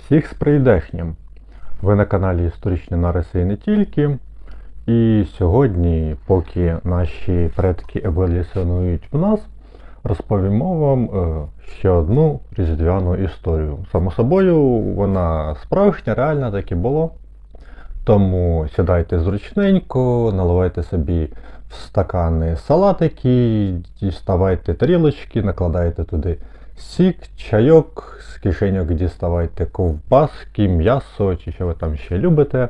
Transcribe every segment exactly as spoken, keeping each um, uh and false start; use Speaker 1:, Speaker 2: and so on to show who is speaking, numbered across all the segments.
Speaker 1: Всіх з прийдешнім! Ви на каналі Історичні нариси і не тільки. І сьогодні, поки наші предки еволюціонують в нас, розповімо вам е, ще одну різдвяну історію. Само собою, вона справжня, реальна, так і було. Тому сідайте зручненько, наливайте собі в стакани салатики, діставайте тарілочки, накладайте туди сік, чайок, з кишеньок діставайте ковбаски, м'ясо чи що ви там ще любите.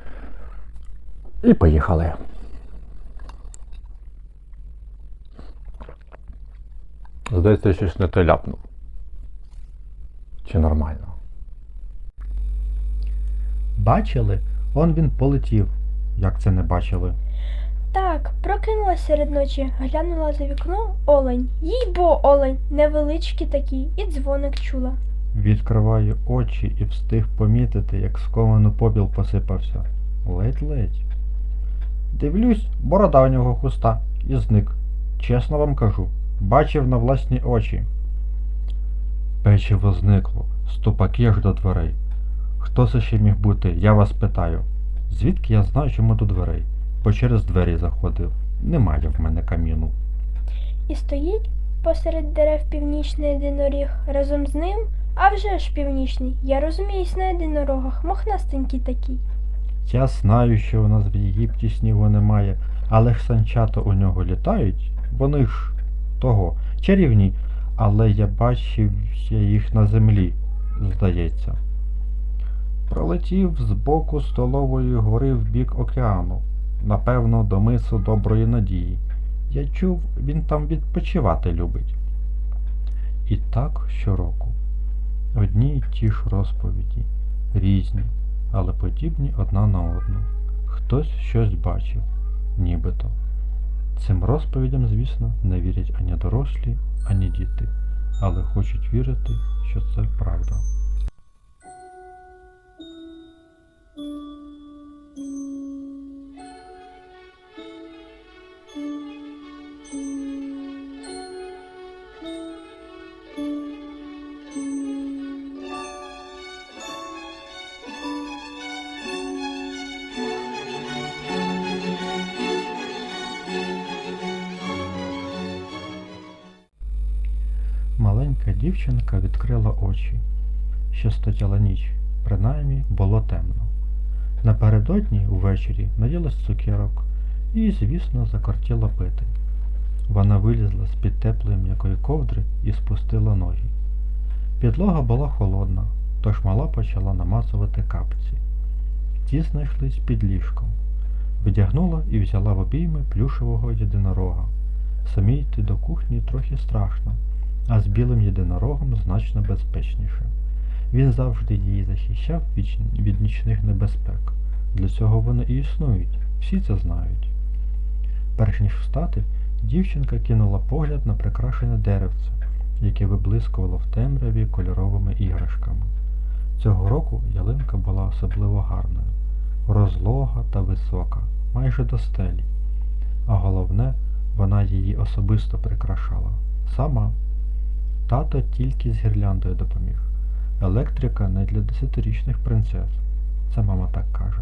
Speaker 1: І поїхали. Здається, щось не то ляпнув. Чи нормально?
Speaker 2: Бачили? Он він полетів. Як це не бачили?
Speaker 3: Так, прокинулась серед ночі, глянула за вікно олень. Їй-бо олень, невеличкий такий, і дзвоник чула.
Speaker 2: Відкриваю очі і встиг помітити, як сковано попіл посипався. Ледь-ледь. Дивлюсь, борода у нього хуста, і зник. Чесно вам кажу, бачив на власні очі. Печиво зникло, ступаки аж до дверей. Хто це ще міг бути, я вас питаю. Звідки я знаю, чому до дверей? Бо через двері заходив. Немає в мене каміну.
Speaker 3: І стоїть посеред дерев північний єдиноріг. Разом з ним, а вже ж північний, я розуміюсь на єдинорогах, мохнастенький такий.
Speaker 2: Я знаю, що у нас в Єгипті снігу немає, але ж санчата у нього літають, вони ж того, чарівні, але я бачив я їх на землі, здається. Пролетів з боку столової гори в бік океану, напевно, до мису Доброї Надії. Я чув, він там відпочивати любить. І так щороку. Одні й ті ж розповіді, різні, але подібні одна на одну. Хтось щось бачив, нібито. Цим розповідям, звісно, не вірять ані дорослі, ані діти, але хочуть вірити, що це правда. Маленька дівчинка відкрила очі. Ще стояла ніч, принаймні було темно. Напередодні увечері наїлась цукерок і, звісно, закортіла пити. Вона вилізла з-під теплої м'якої ковдри і спустила ноги. Підлога була холодна, тож мала почала намацувати капці. Ті знайшлись під ліжком. Вдягнула і взяла в обійми плюшевого єдинорога. Самій йти до кухні трохи страшно, а з білим єдинорогом значно безпечніше. Він завжди її захищав від, від нічних небезпек. Для цього вони і існують, всі це знають. Перш ніж встати, дівчинка кинула погляд на прикрашене деревце, яке виблискувало в темряві кольоровими іграшками. Цього року ялинка була особливо гарною, розлога та висока, майже до стелі. А головне, вона її особисто прикрашала. Сама. Тато тільки з гірляндою допоміг. Електрика не для десятирічних принцес. Це мама так каже.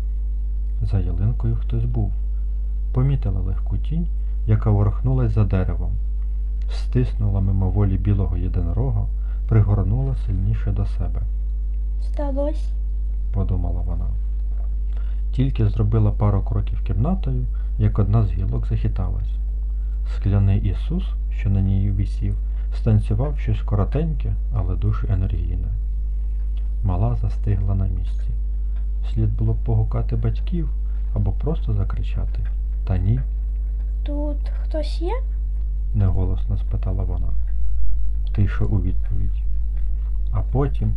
Speaker 2: За ялинкою хтось був. Помітила легку тінь, яка ворухнулась за деревом. Стиснула мимоволі білого єдинорога, пригорнула сильніше до себе.
Speaker 3: Сталось.
Speaker 2: Подумала вона. Тільки зробила пару кроків кімнатою, як одна з гілок захиталась. Скляний Ісус, що на ній висів, станцював щось коротеньке, але дуже енергійне. Мала застигла на місці. Слід було б погукати батьків або просто закричати. Та ні.
Speaker 3: Тут хтось є?
Speaker 2: Неголосно спитала вона. Тиша у відповідь. А потім...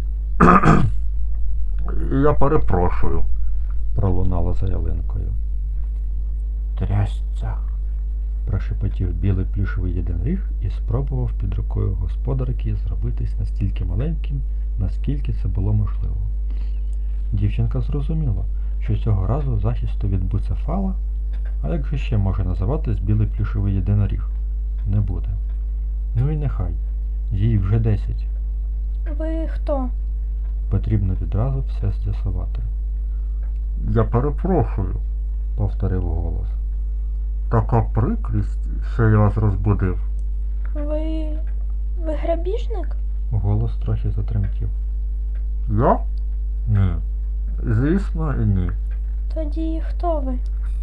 Speaker 1: Я перепрошую.
Speaker 2: Пролунала за ялинкою. Трясця. Прошепотів білий плюшевий єдиноріг і спробував під рукою господарки зробитись настільки маленьким, наскільки це було можливо. Дівчинка зрозуміла, що цього разу захисту від буцефала, а як же ще може називатись білий плюшевий єдиноріг, не буде. Ну і нехай, їй вже десять.
Speaker 3: Ви хто?
Speaker 2: Потрібно відразу все з'ясувати.
Speaker 1: Я перепрошую,
Speaker 2: Повторив голос.
Speaker 1: така прикрість, що я вас розбудив.
Speaker 3: Ви. ви грабіжник?
Speaker 2: Голос трохи затремтів.
Speaker 1: Я? Ні. Звісно, ні.
Speaker 3: Тоді хто ви?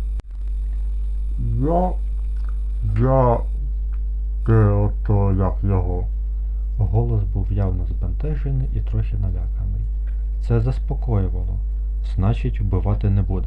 Speaker 1: Я. Я. Те ото як його.
Speaker 2: Голос був явно збентежений і трохи наляканий. Це заспокоювало. Значить, вбивати не буде.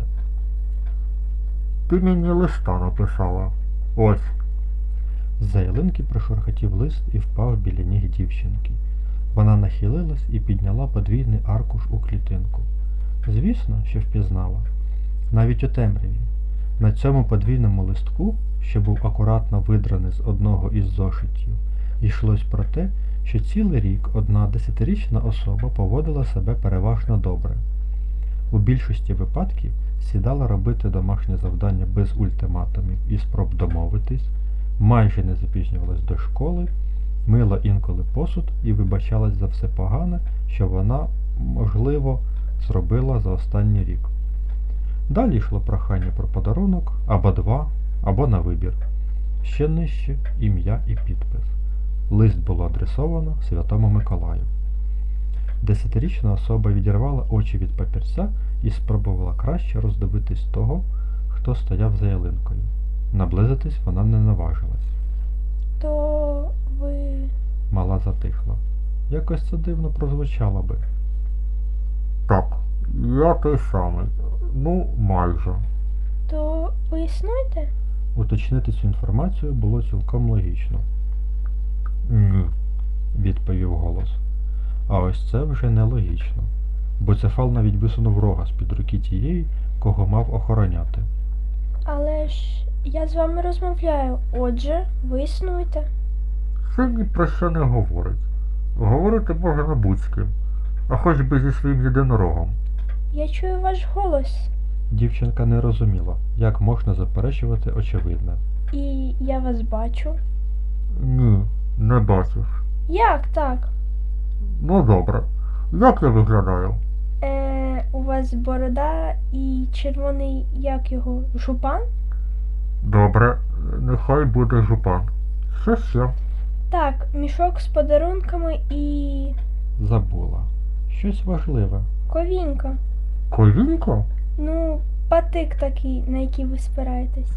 Speaker 1: Ти мені листа написала. Ось.
Speaker 2: З-за ялинки прошурхотів лист і впав біля ніг дівчинки. Вона нахилилась і підняла подвійний аркуш у клітинку. Звісно, що впізнала. Навіть у темряві. На цьому подвійному листку, що був акуратно видраний з одного із зошитів, йшлось про те, що цілий рік одна десятирічна особа поводила себе переважно добре. У більшості випадків сідала робити домашнє завдання без ультиматумів і спроб домовитись, майже не запізнювалась до школи, мила інколи посуд і вибачалась за все погане, що вона, можливо, зробила за останній рік. Далі йшло прохання про подарунок, або два, або на вибір. Ще нижче ім'я і підпис. Лист було адресовано Святому Миколаю. Десятирічна особа відірвала очі від папірця і спробувала краще роздивитись того, хто стояв за ялинкою. Наблизитись вона не наважилась.
Speaker 3: То ви.
Speaker 2: Мала затихла. Якось це дивно прозвучало би.
Speaker 1: Так, я той самий. Ну, майже.
Speaker 3: То ви існуєте?
Speaker 2: Уточнити цю інформацію було цілком логічно,
Speaker 1: Ні.
Speaker 2: відповів голос. А ось це вже нелогічно. Буцефал навіть висунув рога з-під руки тієї, кого мав охороняти.
Speaker 3: Але ж я з вами розмовляю. Отже, ви існуєте.
Speaker 1: Це ні про що не говорить. Говорити можна будь з ким, а хоч би зі своїм єдинорогом.
Speaker 3: Я чую ваш голос.
Speaker 2: Дівчинка не розуміла, як можна заперечувати очевидне.
Speaker 3: І я вас бачу.
Speaker 1: Ні, не бачиш.
Speaker 3: Як так?
Speaker 1: Ну добре. Як я виглядаю?
Speaker 3: Е, у вас борода і червоний, як його, жупан?
Speaker 1: Добре, нехай буде жупан. Що ще?
Speaker 3: Так, мішок з подарунками і.
Speaker 2: Забула. Щось важливе.
Speaker 3: ковінька.
Speaker 1: Ковінько?
Speaker 3: Ну, патик такий, на який ви спираєтесь.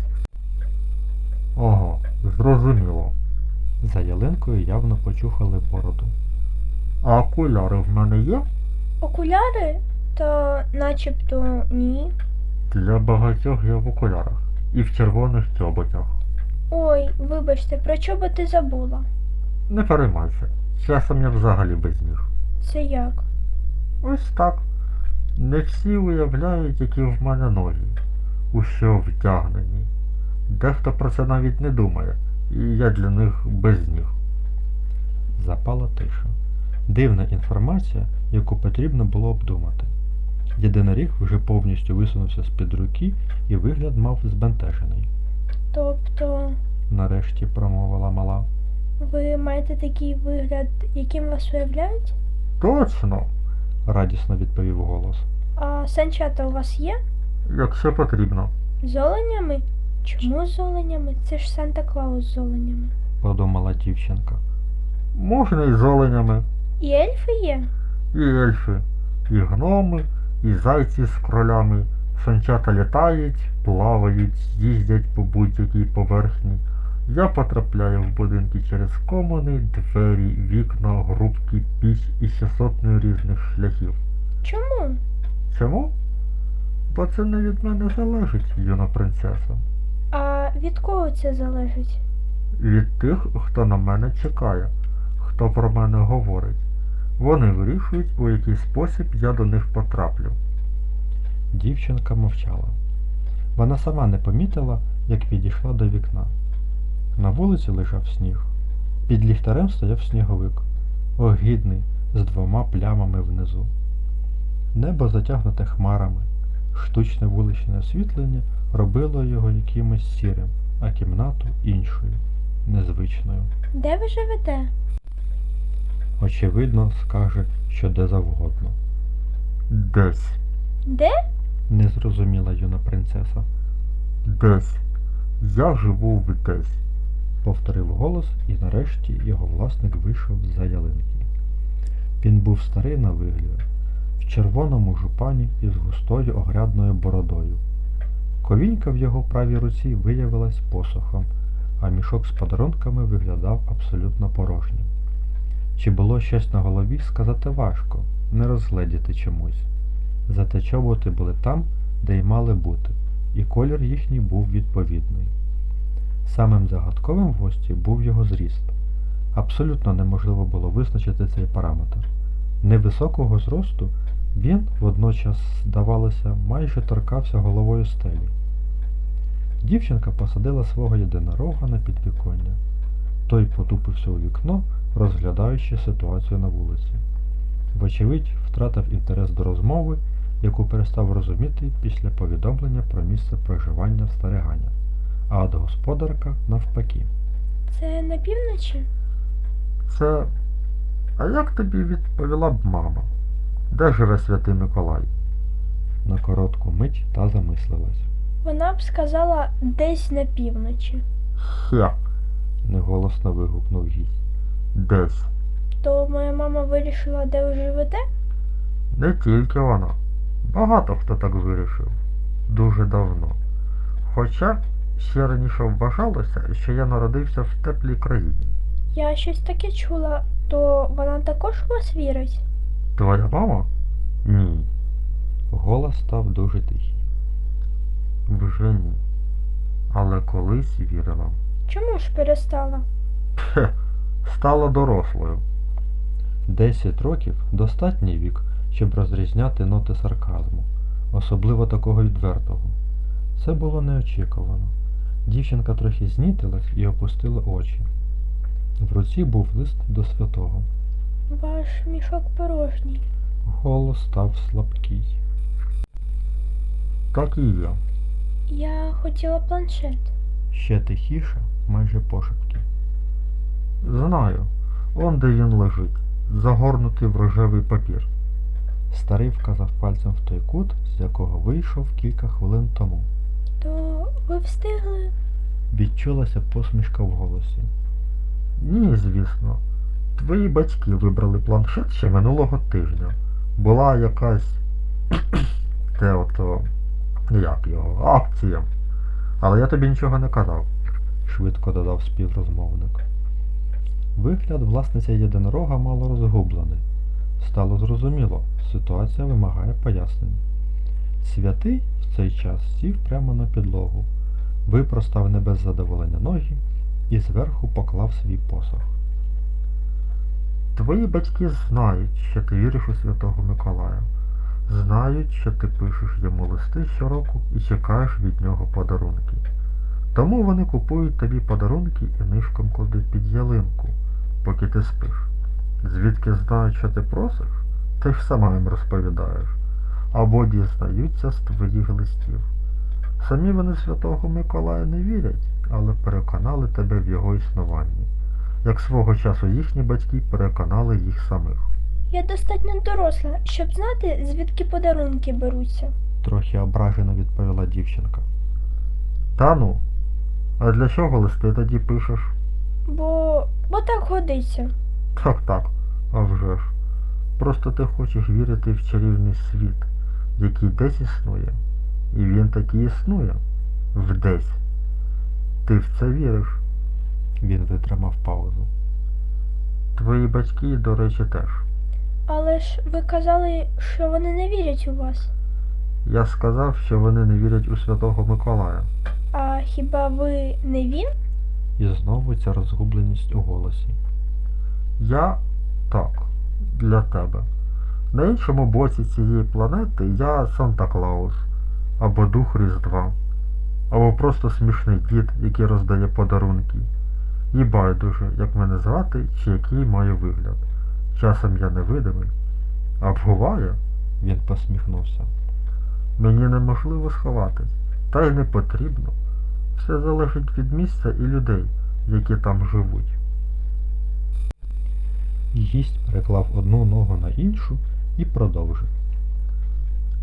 Speaker 1: Ага, зрозуміло.
Speaker 2: За ялинкою явно почухали бороду.
Speaker 1: А окуляри в мене є?
Speaker 3: Окуляри? То начебто ні.
Speaker 1: Для багатьох я в окулярах. І в червоних чоботях.
Speaker 3: Ой, вибачте, про чоботи забула.
Speaker 1: Не переймайся. Часом я взагалі без ніг.
Speaker 3: Це як?
Speaker 1: Ось так. Не всі уявляють, які в мене ноги, у що вдягнені. Дехто про це навіть не думає, і я для них без ніг.
Speaker 2: Запала тиша. Дивна інформація, яку потрібно було обдумати. Єдиноріг вже повністю висунувся з-під руки і вигляд мав збентежений.
Speaker 3: Тобто,
Speaker 2: Нарешті промовила мала.
Speaker 3: ви маєте такий вигляд, яким вас уявляють?
Speaker 1: Точно,
Speaker 2: Радісно відповів голос.
Speaker 3: А санчата у вас є?
Speaker 1: якщо потрібно.
Speaker 3: З оленями? Чому з оленями? Це ж Санта-Клаус з оленями.
Speaker 2: Подумала дівчинка.
Speaker 1: Можна і з оленями,
Speaker 3: І ельфи є?
Speaker 1: і ельфи, і гноми, і зайці з кролями. Санчата літають, плавають, їздять по будь-якій поверхні. Я потрапляю в будинки через комини, двері, вікна, грубки, піч і ще сотнею різних шляхів.
Speaker 3: Чому?
Speaker 1: Чому? Бо це не від мене залежить, юна принцеса.
Speaker 3: А від кого це залежить?
Speaker 1: Від тих, хто на мене чекає, хто про мене говорить. Вони вирішують, у який спосіб я до них потраплю.
Speaker 2: Дівчинка мовчала. Вона сама не помітила, як підійшла до вікна. На вулиці лежав сніг. Під ліхтарем стояв сніговик, огидний, з двома плямами внизу. Небо затягнуте хмарами. Штучне вуличне освітлення робило його якимось сірим, а кімнату іншою, незвичною.
Speaker 3: Де ви живете?
Speaker 2: Очевидно, скаже, що де завгодно.
Speaker 4: Десь.
Speaker 3: Де?
Speaker 2: Не зрозуміла юна принцеса.
Speaker 4: Десь. Я живу в десь.
Speaker 2: Повторив голос, і нарешті його власник вийшов з-за ялинки. Він був старий на вигляд, в червоному жупані із густою огрядною бородою. Ковінька в його правій руці виявилась посохом, а мішок з подарунками виглядав абсолютно порожнім. Чи було щось на голові, сказати важко, не розгледіти чомусь. Зате чоботи були там, де й мали бути, і колір їхній був відповідний. Самим загадковим в гості був його зріст. Абсолютно неможливо було визначити цей параметр. Невисокого зросту він водночас, здавалося, майже торкався головою стелі. Дівчинка посадила свого єдинорога на підвіконня. Той потупився у вікно, розглядаючи ситуацію на вулиці. Вочевидь, втратив інтерес до розмови, яку перестав розуміти після повідомлення про місце проживання стариганя, а от господарка навпаки.
Speaker 3: Це на півночі?
Speaker 4: Це. А як тобі відповіла б мама? Де живе святий Миколай?
Speaker 2: На коротку мить та замислилась.
Speaker 3: Вона б сказала десь на півночі.
Speaker 4: Хе.
Speaker 2: Неголосно вигукнув гість.
Speaker 4: Десь.
Speaker 3: То моя мама вирішила, де ви живете?
Speaker 4: Не тільки вона. Багато хто так вирішив. Дуже давно. Хоча ще раніше вважалося, що я народився в теплій країні.
Speaker 3: Я щось таке чула, то вона також у вас вірить?
Speaker 4: Твоя мама? Ні.
Speaker 2: Голос став дуже тихий.
Speaker 4: Вже ні. Але колись вірила.
Speaker 3: Чому ж перестала?
Speaker 4: Хе. Стала дорослою.
Speaker 2: Десять років – достатній вік, щоб розрізняти ноти сарказму, особливо такого відвертого. Це було неочікувано. Дівчинка трохи знітилась і опустила очі. В руці був лист до святого.
Speaker 3: Ваш мішок порожній.
Speaker 2: Голос став слабкий.
Speaker 4: Так і є.
Speaker 3: Я хотіла планшет.
Speaker 2: Ще тихіше, майже пошепки.
Speaker 4: Знаю. Он де він лежить, загорнутий в рожевий папір.
Speaker 2: Старий вказав пальцем в той кут, з якого вийшов кілька хвилин тому.
Speaker 3: То ви встигли?
Speaker 2: Відчулася посмішка в голосі.
Speaker 4: Ні, звісно. Твої батьки вибрали планшет ще минулого тижня. Була якась те ото, як його, акція. Але я тобі нічого не казав.
Speaker 2: Швидко додав співрозмовник. Вигляд власниця єдинорога мало розгублений. Стало зрозуміло, ситуація вимагає пояснень. Святий в цей час сів прямо на підлогу, випростав не без задоволення ноги і зверху поклав свій посох.
Speaker 4: Твої батьки знають, що ти віриш у Святого Миколая. Знають, що ти пишеш йому листи щороку і чекаєш від нього подарунки. Тому вони купують тобі подарунки і нишком кладуть під ялинку, поки ти спиш. Звідки знають, що ти просиш, ти ж сама їм розповідаєш. Або дізнаються з твоїх листів. Самі вони Святого Миколая не вірять, але переконали тебе в його існуванні, як свого часу їхні батьки переконали їх самих.
Speaker 3: Я достатньо доросла, щоб знати, звідки подарунки беруться.
Speaker 2: Трохи ображено відповіла дівчинка.
Speaker 4: Та ну, а для чого листи тоді пишеш?
Speaker 3: Бо... бо так годиться.
Speaker 4: Так, так, а вже ж. Просто ти хочеш вірити в чарівний світ, який десь існує. І він таки існує. Вдесь. Ти в це віриш.
Speaker 2: Він витримав паузу.
Speaker 4: Твої батьки, до речі, теж.
Speaker 3: Але ж ви казали, що вони не вірять у вас.
Speaker 4: Я сказав, що вони не вірять у Святого Миколая.
Speaker 3: А хіба ви не він?
Speaker 2: І знову ця розгубленість у голосі.
Speaker 4: Я так, для тебе. На іншому боці цієї планети я Санта-Клаус, або Дух Різдва, або просто смішний дід, який роздає подарунки. І байдуже, як мене звати, чи який маю вигляд. Часом я невидимий. А буває,
Speaker 2: Він посміхнувся.
Speaker 4: мені неможливо сховатись, та й не потрібно. Все залежить від місця і людей, які там живуть.
Speaker 2: Гість переклав одну ногу на іншу і продовжив.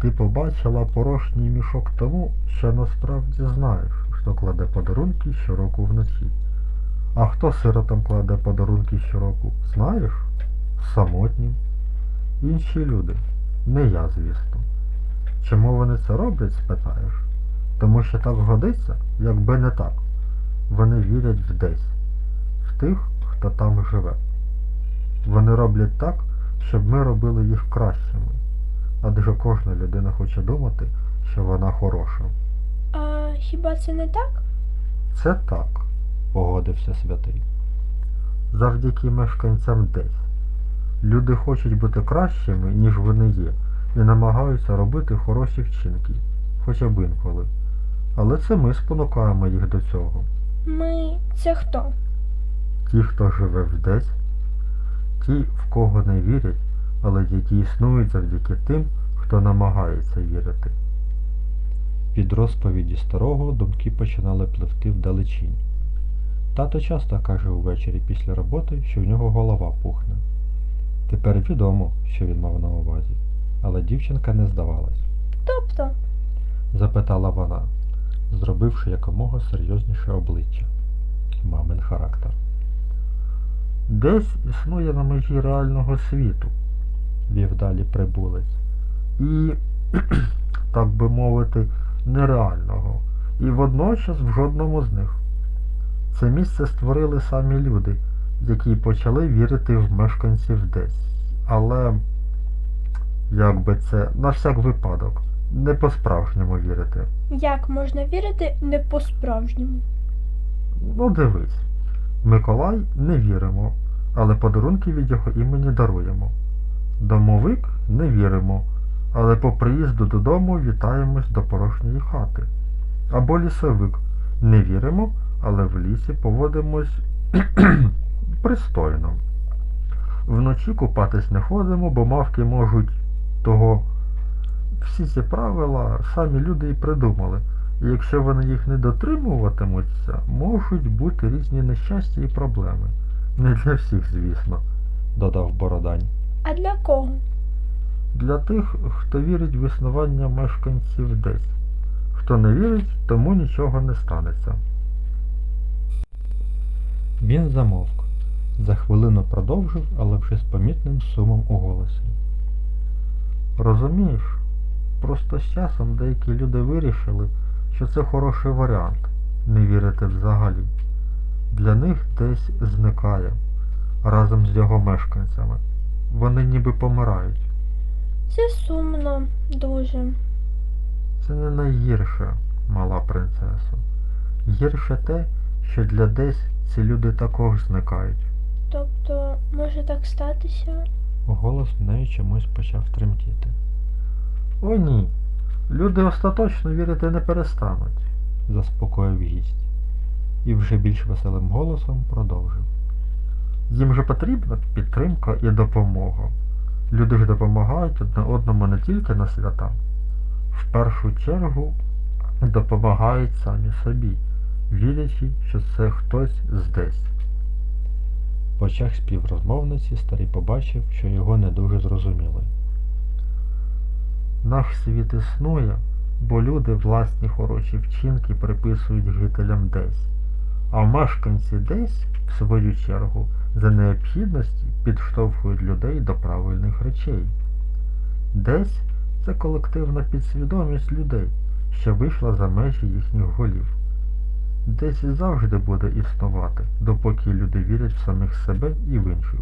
Speaker 4: ти побачила порожній мішок тому, що насправді знаєш, хто кладе подарунки щороку вночі. А хто сиротам кладе подарунки щороку, знаєш? Самотнім. Інші люди. Не я, звісно. Чому вони це роблять, спитаєш? Тому що так годиться, якби не так. Вони вірять в десь, в тих, хто там живе. Вони роблять так, щоб ми робили їх кращими. Адже кожна людина хоче думати, що вона хороша.
Speaker 3: А хіба це не так?
Speaker 4: Це так.
Speaker 2: Погодився святий.
Speaker 4: Завдяки мешканцям десь. Люди хочуть бути кращими, ніж вони є, і намагаються робити хороші вчинки, хоча б інколи. Але це ми спонукаємо їх до цього.
Speaker 3: Ми це хто?
Speaker 4: Ті, хто живе в десь, ті, в кого не вірять, але які існують завдяки тим, хто намагається вірити.
Speaker 2: Від розповіді старого думки починали пливти вдалечінь. Тато часто каже увечері після роботи, що в нього голова пухне. Тепер відомо, що він мав на увазі, але дівчинка не здавалась.
Speaker 3: Тобто?
Speaker 2: Запитала вона, зробивши якомога серйозніше обличчя. Мамин характер.
Speaker 4: Десь існує на межі реального світу,
Speaker 2: Вів далі прибулець.
Speaker 4: і, так би мовити, нереального, і водночас в жодному з них. Це місце створили самі люди, які почали вірити в мешканців десь. Але, як би це, на всяк випадок, не по-справжньому вірити.
Speaker 3: Як можна вірити не по-справжньому?
Speaker 4: Ну дивись, Миколай не віримо, але подарунки від його імені даруємо. Домовик не віримо, але по приїзду додому вітаємось до порожньої хати. Або лісовик не віримо, але в лісі поводимось пристойно. Вночі купатись не ходимо, бо мавки можуть того. Всі ці правила самі люди і придумали. І якщо вони їх не дотримуватимуться, можуть бути різні нещастя і проблеми. Не для всіх, звісно.
Speaker 2: Додав Бородань.
Speaker 3: А для кого?
Speaker 4: Для тих, хто вірить в існування мешканців десь. Хто не вірить, тому нічого не станеться.
Speaker 2: Він замовк. За хвилину продовжив, але вже з помітним сумом у голосі.
Speaker 4: Розумієш, просто з часом деякі люди вирішили, що це хороший варіант – не вірити взагалі. Для них десь зникає, разом з його мешканцями. Вони ніби помирають.
Speaker 3: Це сумно, дуже.
Speaker 4: Це не найгірше, мала принцесо. Гірше те, що для десь ці люди також зникають.
Speaker 3: Тобто, може так статися?
Speaker 2: Голос в неї чомусь почав тремтіти.
Speaker 4: О ні, люди остаточно вірити не перестануть.
Speaker 2: Заспокоїв гість. І вже більш веселим голосом продовжив.
Speaker 4: Їм же потрібна підтримка і допомога. Люди ж допомагають одне одному не тільки на свята. В першу чергу допомагають самі собі, вірячи, що це хтось здесь.
Speaker 2: В очах співрозмовниці старий побачив, що його не дуже зрозуміли.
Speaker 4: Наш світ існує, бо люди власні хороші вчинки приписують жителям десь, а мешканці десь, в свою чергу, за необхідності підштовхують людей до правильних речей. Десь – це колективна підсвідомість людей, що вийшла за межі їхніх голів. Десь і завжди буде існувати, допоки люди вірять в самих себе і в інших.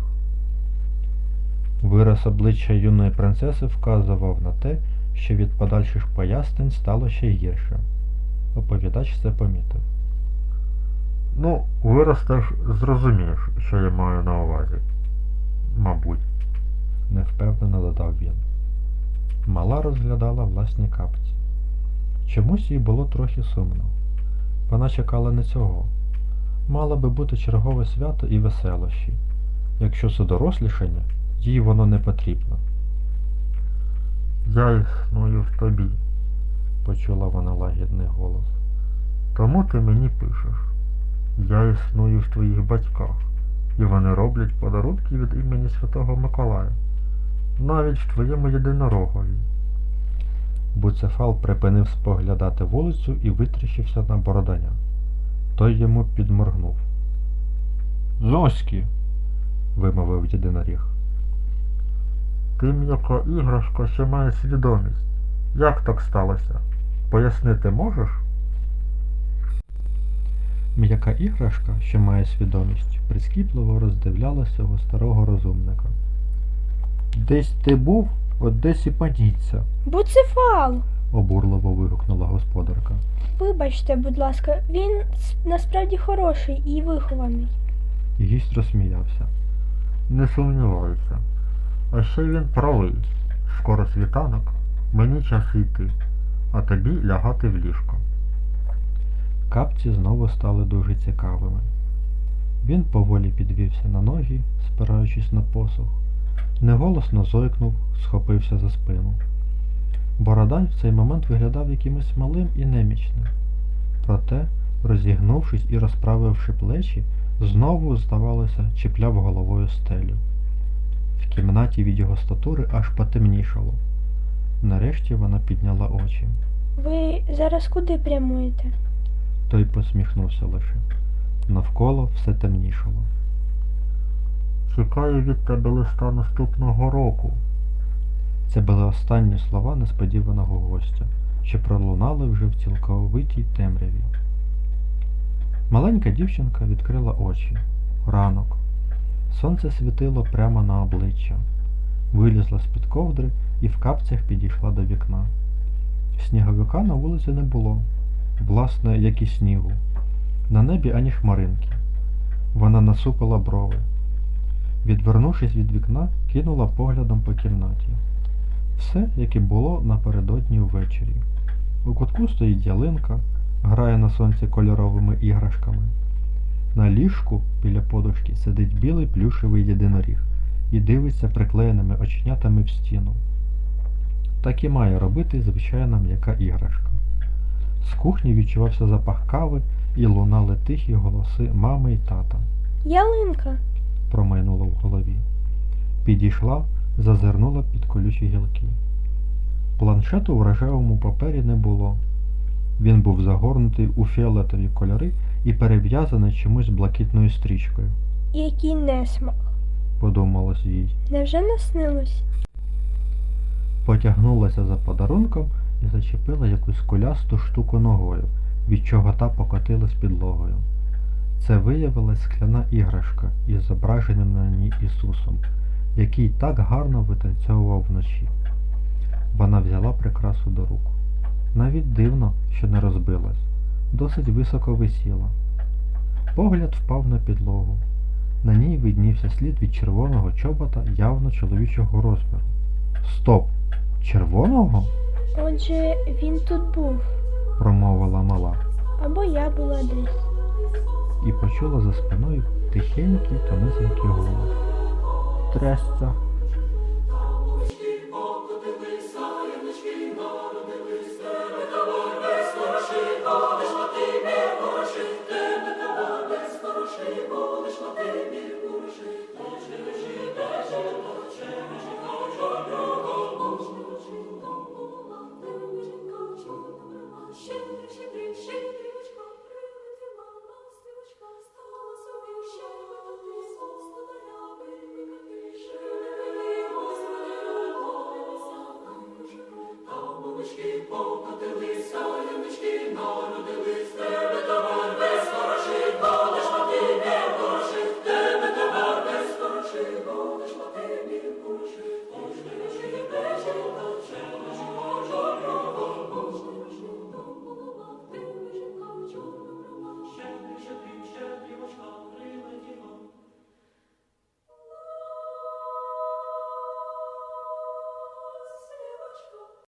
Speaker 2: Вираз обличчя юної принцеси вказував на те, що від подальших пояснень стало ще гірше. Оповідач це помітив.
Speaker 4: Ну, виростеш, зрозумієш, що я маю на увазі. Мабуть.
Speaker 2: Невпевнено додав він. Мала розглядала власні капці. Чомусь їй було трохи сумно. Вона чекала не цього. Мало би бути чергове свято і веселощі. Якщо це дорослішання, їй воно не потрібно.
Speaker 4: Я існую в тобі,
Speaker 2: Почула вона лагідний голос.
Speaker 4: тому ти мені пишеш. Я існую в твоїх батьках, і вони роблять подарунки від імені Святого Миколая. Навіть в твоєму єдинорогові.
Speaker 2: Буцефал припинив споглядати вулицю і витріщився на Бороданя. Той йому підморгнув. «Зоськи!» – вимовив єдиноріг.
Speaker 4: Ти м'яка іграшка, що має свідомість. Як так сталося? Пояснити можеш?
Speaker 2: М'яка іграшка, що має свідомість, прискіпливо роздивлялася цього старого розумника. «Десь ти був, от десь і паніться!»
Speaker 3: Буцефал!
Speaker 2: обурливо вигукнула господарка.
Speaker 3: Вибачте, будь ласка, він с- насправді хороший і вихований.
Speaker 2: Гість розсміявся.
Speaker 4: Не сумніваюся. А ще він правий. Скоро світанок, мені час йти, а тобі лягати в ліжко.
Speaker 2: Капці знову стали дуже цікавими. Він поволі підвівся на ноги, спираючись на посух, неголосно зойкнув, схопився за спину. Бородань в цей момент виглядав якимось малим і немічним. Проте, розігнувшись і розправивши плечі, знову, здавалося, чіпляв головою стелю. В кімнаті від його статури аж потемнішало. Нарешті вона підняла очі.
Speaker 3: Ви зараз куди прямуєте?
Speaker 2: Той посміхнувся лише. Навколо все темнішало.
Speaker 4: Чекаю від тебе листа наступного року.
Speaker 2: Це були останні слова несподіваного гостя, що пролунали вже в цілковитій темряві. Маленька дівчинка відкрила очі. Ранок. Сонце світило прямо на обличчя. Вилізла з-під ковдри і в капцях підійшла до вікна. Сніговика на вулиці не було. Власне, як і снігу. На небі ані хмаринки. Вона насупила брови. Відвернувшись від вікна, кинула поглядом по кімнаті. Все, як і було напередодні ввечері. У кутку стоїть ялинка, грає на сонці кольоровими іграшками. На ліжку біля подушки сидить білий плюшевий єдиноріг і дивиться приклеєними оченятами в стіну. Так і має робити звичайна м'яка іграшка. З кухні відчувався запах кави і лунали тихі голоси мами й тата.
Speaker 3: Ялинка!
Speaker 2: Промайнуло в голові. Підійшла, зазирнула під колючі гілки. Планшету в рожевому папері не було. Він був загорнутий у фіолетові кольори і перев'язаний чомусь блакитною стрічкою.
Speaker 3: Який несмак!
Speaker 2: Подумалось їй.
Speaker 3: Невже наснилось?
Speaker 2: Потягнулася за подарунком і зачепила якусь кулясту штуку ногою, від чого та покотилась підлогою. Це виявилась скляна іграшка із зображенням на ній Ісусом, який так гарно витанцьовував вночі. Вона взяла прикрасу до рук. Навіть дивно, що не розбилась. Досить високо висіла. Погляд впав на підлогу. На ній виднівся слід від червоного чобота явно чоловічого розміру. Стоп! Червоного?
Speaker 3: Отже, він тут був.
Speaker 2: Промовила мала.
Speaker 3: Або я була десь.
Speaker 2: І почула за спиною тихенький та низенький голос. Трясця,